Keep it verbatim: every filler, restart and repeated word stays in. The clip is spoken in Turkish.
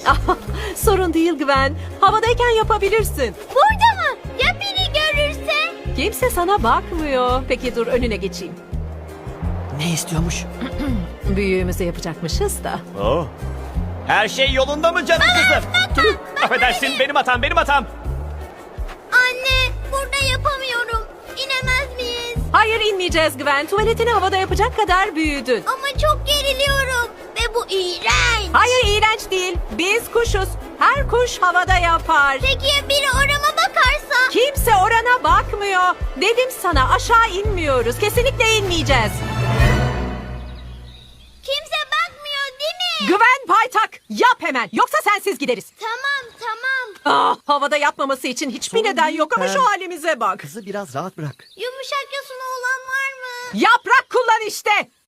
Sorun değil Gwen. Havadayken yapabilirsin. Burada mı? Ya biri görürse? Kimse sana bakmıyor. Peki dur önüne geçeyim. Ne istiyormuş? Büyüğümüzü yapacakmışız da. Oh. Her şey yolunda mı canım kızım? Affedersin, benim hatam, benim hatam. Anne, burada yapamıyorum. İnemez miyiz? Hayır inmeyeceğiz Gwen. Tuvaletini havada yapacak kadar büyüdün. Ama çok geriliyorum. Ve bu iğrenç. Hayır iğrenç değil. Biz kuşuz. Her kuş havada yapar. Peki ya biri orama bakarsa? Kimse orana bakmıyor. Dedim sana aşağı inmiyoruz. Kesinlikle inmeyeceğiz. Kimse bakmıyor değil mi? Güven paytak. Yap hemen. Yoksa sensiz gideriz. Tamam tamam. Ah, havada yapmaması için hiçbir Sorun neden değil yok ama Pam. şu halimize bak. Kızı biraz rahat bırak. Yumuşak yosunu olan var mı? Yaprak kullan